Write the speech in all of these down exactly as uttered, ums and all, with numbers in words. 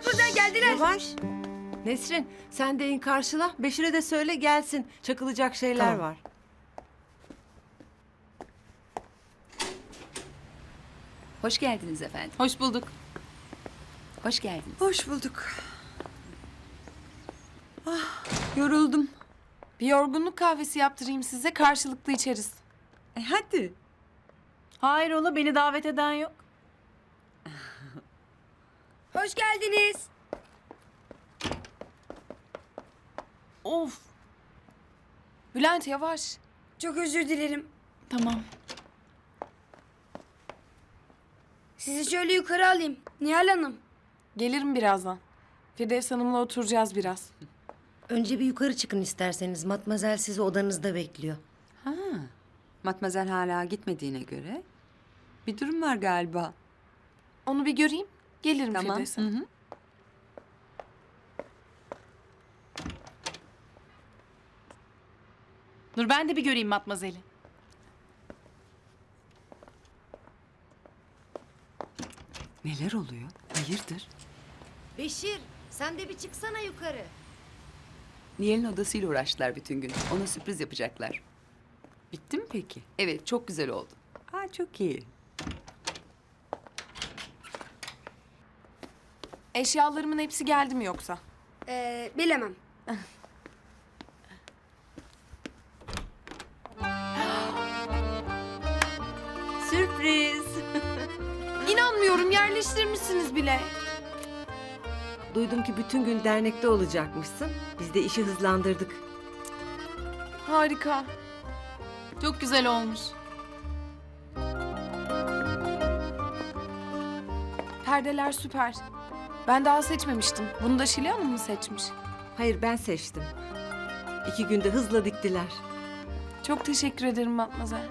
Matmazel geldiler. Yavaş. Nesrin sen de in karşıla. Beşir'e de söyle gelsin. Çakılacak şeyler Tamam. var. Hoş geldiniz efendim. Hoş bulduk. Hoş geldiniz. Hoş bulduk. Yoruldum. Bir yorgunluk kahvesi yaptırayım size, karşılıklı içeriz. E hadi. Hayrola, beni davet eden yok. Hoş geldiniz. Of. Bülent yavaş. Çok özür dilerim. Tamam. Sizi şöyle yukarı alayım. Nihal Hanım. Gelirim birazdan. Firdevs Hanım'la oturacağız biraz. Önce bir yukarı çıkın isterseniz. Matmazel sizi odanızda bekliyor. Ha, Matmazel hala gitmediğine göre bir durum var galiba. Onu bir göreyim. Gelirim Tamam. Firdevs Hı Hanım. hı. Dur ben de bir göreyim Matmazel'i. Neler oluyor? Hayırdır? Beşir, sen de bir çıksana yukarı. Nihal'in odasıyla uğraştılar bütün gün. Ona sürpriz yapacaklar. Bitti mi peki? Evet, çok güzel oldu. Aa, çok iyi. Eşyalarımın hepsi geldi mi yoksa? Ee, bilemem. Sürpriz. İnanmıyorum, yerleştirmişsiniz bile. Duydum ki bütün gün dernekte olacakmışsın. Biz de işi hızlandırdık. Harika. Çok güzel olmuş. Perdeler süper. Ben daha seçmemiştim. Bunu da Şile Hanım mı seçmiş? Hayır ben seçtim. İki günde hızla diktiler. Çok teşekkür ederim Matmazel.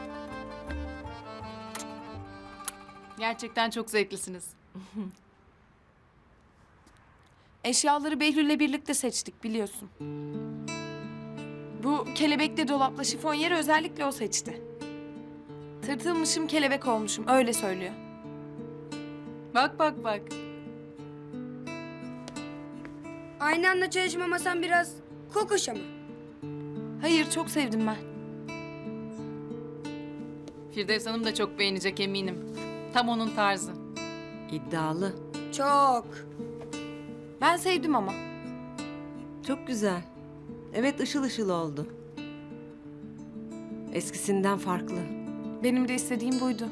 Gerçekten çok zevklisiniz. Eşyaları Behlül'le birlikte seçtik biliyorsun. Bu kelebekli dolapla şifonyeri özellikle o seçti. Tırtılmışım kelebek olmuşum öyle söylüyor. Bak bak bak. Aynı anda çalışma masam biraz kokoş ama. Hayır çok sevdim ben. Firdevs Hanım da çok beğenecek eminim. Tam onun tarzı. İddialı. Çok. Ben sevdim ama. Çok güzel. Evet ışıl ışıl oldu. Eskisinden farklı. Benim de istediğim buydu.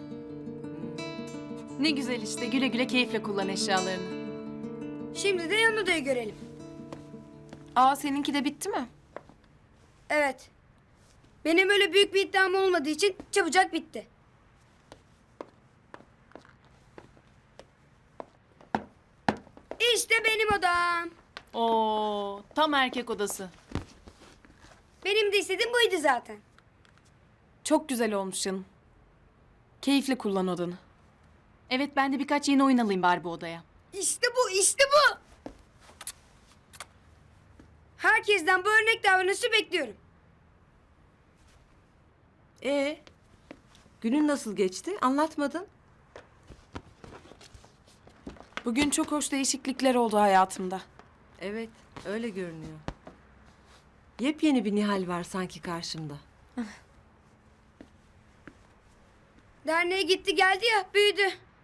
Ne güzel işte, güle güle keyifle kullan eşyalarını. Şimdi de yan odayı görelim. Aa seninki de bitti mi? Evet. Benim öyle büyük bir iddiam olmadığı için çabucak bitti. İşte benim odam. Oo, tam erkek odası. Benim de istediğim buydu zaten. Çok güzel olmuş canım. Keyifle kullan odanı. Evet, ben de birkaç yeni oyun alayım bari bu odaya. İşte bu, işte bu. Herkesten bu örnek davranışı bekliyorum. Ee, günün nasıl geçti? Anlatmadın. Bugün çok hoş değişiklikler oldu hayatımda. Evet, öyle görünüyor. Yepyeni bir Nihal var sanki karşımda. Derneğe gitti geldi ya, büyüdü.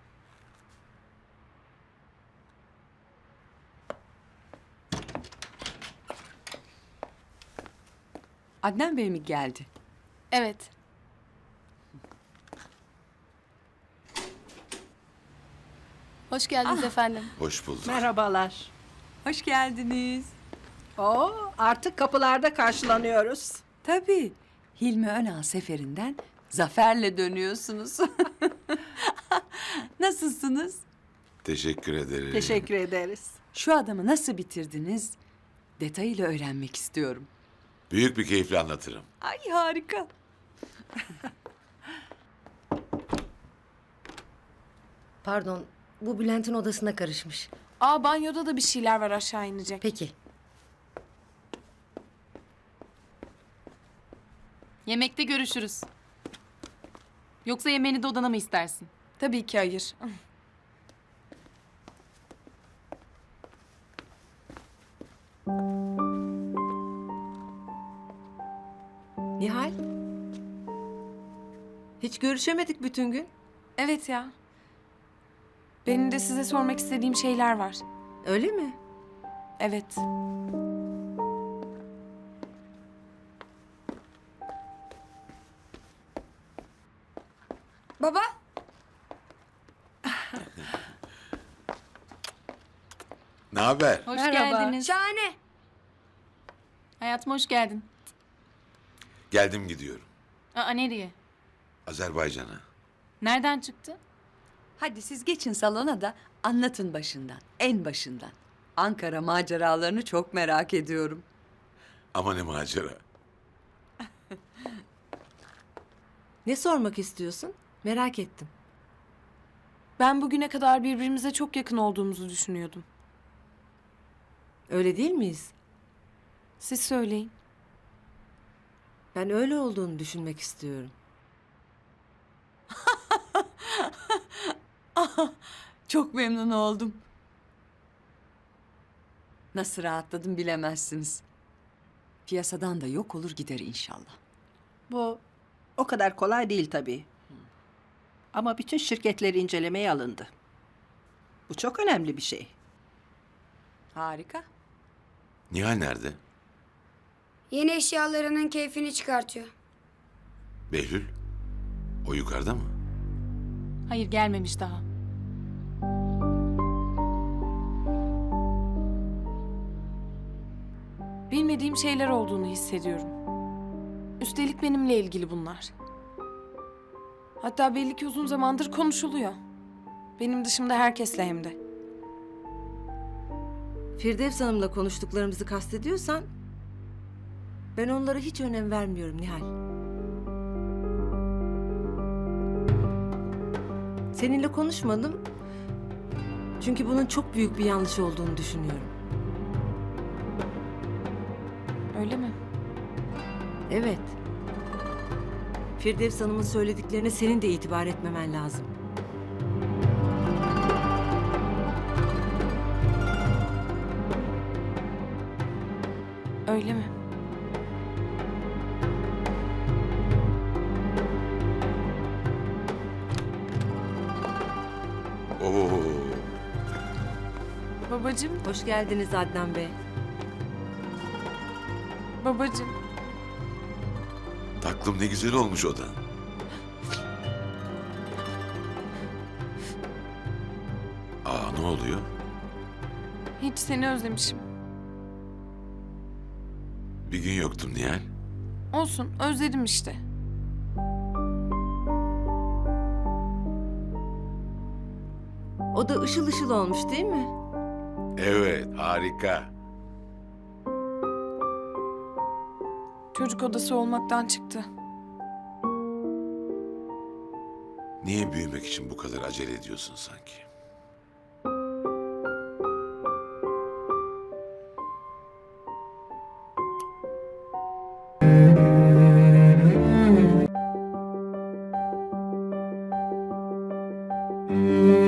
Adnan Bey mi geldi? Evet. Hoş geldiniz efendim. Hoş bulduk. Merhabalar. Hoş geldiniz. Oo, artık kapılarda karşılanıyoruz. Tabii. Hilmi Önal seferinden zaferle dönüyorsunuz. Nasılsınız? Teşekkür ederim. Teşekkür ederiz. Şu adamı nasıl bitirdiniz? Detayıyla öğrenmek istiyorum. Büyük bir keyifle anlatırım. Ay harika. Pardon, bu Bülent'in odasına karışmış. Aa banyoda da bir şeyler var aşağı inecek. Peki. Yemekte görüşürüz. Yoksa yemeğini de odana mı istersin? Tabii ki hayır. Nihal? Hiç görüşemedik bütün gün. Evet ya. Benim de size sormak istediğim şeyler var. Öyle mi? Evet. Baba, Ne haber? Hoş Merhaba. geldiniz. şahane. Hayatım hoş geldin. Geldim gidiyorum. Aa nereye? Azerbaycan'a. Nereden çıktı? Hadi siz geçin salona da anlatın başından, en başından. Ankara maceralarını çok merak ediyorum. Ama ne macera. Ne sormak istiyorsun? Merak ettim. Ben bugüne kadar birbirimize çok yakın olduğumuzu düşünüyordum. Öyle değil miyiz? Siz söyleyin. Ben öyle olduğunu düşünmek istiyorum. Çok memnun oldum. Nasıl rahatladım bilemezsiniz. Piyasadan da yok olur gider inşallah. Bu o kadar kolay değil tabii. Ama bütün şirketleri incelemeye alındı. Bu çok önemli bir şey. Harika. Nihal nerede? Yeni eşyalarının keyfini çıkartıyor. Behlül? O yukarıda mı? Hayır gelmemiş daha. Bilmediğim şeyler olduğunu hissediyorum. Üstelik benimle ilgili bunlar. Hatta belli ki uzun zamandır konuşuluyor. Benim dışımda herkesle hem de. Firdevs Hanım'la konuştuklarımızı kastediyorsan... ...ben onlara hiç önem vermiyorum Nihal. Seninle konuşmadım. Çünkü bunun çok büyük bir yanlış olduğunu düşünüyorum. Öyle mi? Evet. Firdevs Hanım'ın söylediklerine senin de itibar etmemen lazım. Öyle mi? Oo. Babacığım, Hoş geldiniz Adnan Bey. babacığım. Taklım ne güzel olmuş odan. Aa, ne oluyor? Hiç seni özlemişim. Bir gün yoktum Nihal. Olsun, özledim işte. O da ışıl ışıl olmuş değil mi? Evet, harika. Çocuk odası olmaktan çıktı. Niye büyümek için bu kadar acele ediyorsun sanki? Müzik